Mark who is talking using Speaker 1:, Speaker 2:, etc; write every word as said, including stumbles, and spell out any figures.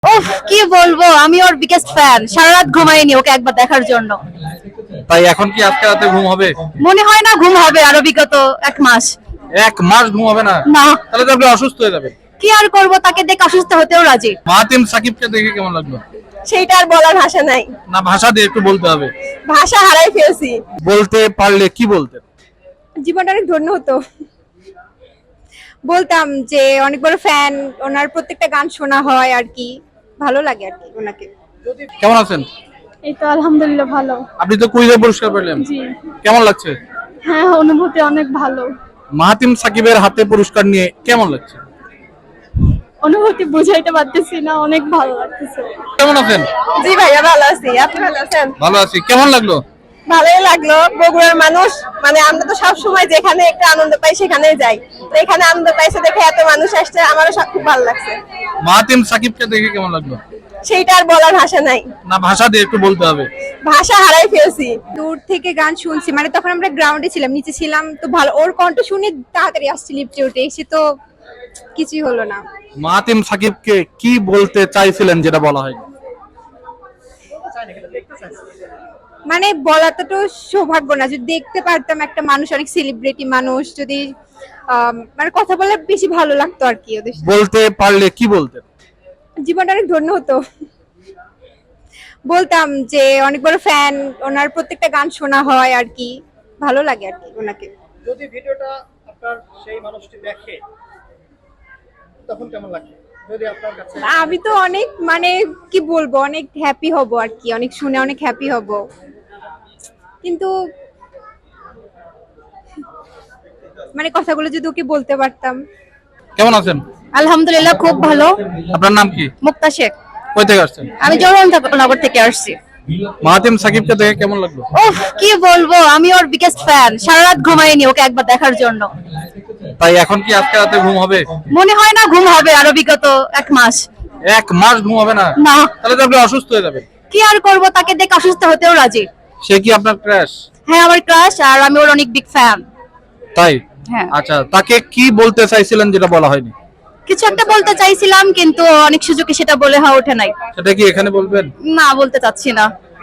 Speaker 1: উফ কি বলবো, আমি ওর বিগেস্ট ফ্যান। সারা রাত ঘুমাইনি ওকে একবার দেখার জন্য।
Speaker 2: তাই এখন কি আজকে রাতে ঘুম হবে?
Speaker 1: মনে হয় না ঘুম হবে আরো বিগত এক মাস।
Speaker 2: এক মাস ঘুম হবে না?
Speaker 1: না।
Speaker 2: তাহলে তো আপনি অসুস্থ হয়ে যাবেন।
Speaker 1: কি আর করব, তাকে দেখে অসুস্থ হতেও রাজি।
Speaker 2: মাহাতিম সাকিবকে দেখে কেমন লাগলো?
Speaker 3: সেইটা আর বলার ভাষা নাই,
Speaker 2: না ভাষা দিয়ে একটু বলতে হবে।
Speaker 3: ভাষা হারাই ফেলছি।
Speaker 2: বলতে পারলে কি বলতেন?
Speaker 3: জীবনটা অনেক ধন্য হতো। বলতাম যে অনেক বড় ফ্যান, ওনার প্রত্যেকটা গান শোনা হয় আর কি, ভালো লাগে আর কি ওনাকে।
Speaker 2: কেমন আছেন?
Speaker 4: এই তো আলহামদুলিল্লাহ ভালো।
Speaker 2: আপনি তো কুইজে পুরস্কার পেলেন,
Speaker 4: জি
Speaker 2: কেমন লাগছে?
Speaker 4: হ্যাঁ, অনুভূতি অনেক ভালো।
Speaker 2: মাহাতিম সাকিবের হাতে পুরস্কার নিয়ে কেমন লাগছে?
Speaker 4: অনুভূতি বুঝাইতে পারতেছি না, অনেক ভালো লাগতেছে।
Speaker 2: কেমন আছেন?
Speaker 3: জি ভাইয়া ভালো আছি, আপনি ভালো আছেন?
Speaker 2: ভালো আছি। কেমন লাগলো?
Speaker 3: ভালোই লাগলো। বগুড়ার মানুষ মানে আমরা তো সব সময় যেখানে একটা আনন্দ পাই সেখানেই যাই, তো এখানে আনন্দ পাইছে দেখে এত মানুষ আসছে, আমারও সব খুব ভালো লাগছে।
Speaker 2: মাহাতিম সাকিবকে দেখে কেমন লাগলো?
Speaker 3: সেইটা আর বলার ভাষা নাই,
Speaker 2: না ভাষা দিয়ে একটু বলতে হবে।
Speaker 3: ভাষা হারাই ফেলছি। দূর থেকে গান শুনছি, মানে তখন আমরা গ্রাউন্ডে ছিলাম, নিচে ছিলাম, তো ভালো ওর কণ্ঠ শুনে তাড়াতাড়ি আসছি লিফটে উঠে, এসে তো কিছুই হলো না।
Speaker 2: মাহাতিম সাকিবকে কি বলতে চাইছিলেন যেটা বলা হয়নি?
Speaker 3: মানে বলাটা তো সৌভাগ্য না, যদি দেখতে পারতাম একটা মানুষ, অনেক সেলিব্রিটি মানুষ, যদি আম, মানে কথা বলে বেশি ভালো লাগতো আর কি ওদের সাথে।
Speaker 2: বলতে পারলে কি বলতেন?
Speaker 3: জীবনটা অনেক ধন্য হতো। বলতাম যে অনেক বড় ফ্যান, ওনার প্রত্যেকটা গান শোনা হয় আর কি, ভালো লাগে আর কি ওনাকে।
Speaker 5: যদি ভিডিওটা আপনার সেই মানুষটি দেখে তখন কেমন লাগবে যদি আপনার কাছে?
Speaker 3: আমি তো অনেক মানে কি বলবো, অনেক হ্যাপি হব আর কি, অনেক শুনে অনেক হ্যাপি হব, কিন্তু মানে কথাগুলো যদি ওকে বলতে পারতাম।
Speaker 2: কেমন আছেন?
Speaker 1: আলহামদুলিল্লাহ খুব ভালো।
Speaker 2: আপনার নাম কি?
Speaker 1: মুক্তা শেখ।
Speaker 2: কই থেকে আসছেন?
Speaker 1: আমি জওহরনগর থেকে আসছি।
Speaker 2: মাহাতিম সাকিবকে দেখে কেমন লাগলো?
Speaker 1: উফ কি বলবো, আমি ওর বিগেস্ট ফ্যান। সারা রাত ঘুমাইনি ওকে একবার দেখার জন্য।
Speaker 2: তাই এখন কি আজকে রাতে ঘুম হবে?
Speaker 1: মনে হয় না ঘুম হবে আরো বিগত এক মাস।
Speaker 2: এক মাস ঘুম হবে না?
Speaker 1: না।
Speaker 2: তাহলে তো আপনি অসুস্থ হয়ে যাবেন।
Speaker 1: কি আর করব, তাকে দেখে অসুস্থ হতেও রাজি।
Speaker 2: সে কি আপনার ক্রাশ?
Speaker 1: হ্যাঁ আমার ক্রাশ, আর আমি ওর অনেক বিগ ফ্যান।
Speaker 2: তাই?
Speaker 1: হ্যাঁ।
Speaker 2: আচ্ছা, তাকে কি বলতে চাইছিলেন যেটা বলা হয়নি?
Speaker 1: কিছু একটা বলতে চাইছিলাম কিন্তু অনেক সুযোগে সেটা বলে হয়ে ওঠে নাই।
Speaker 2: সেটা কি এখানে বলবেন?
Speaker 1: না বলতে চাচ্ছি না।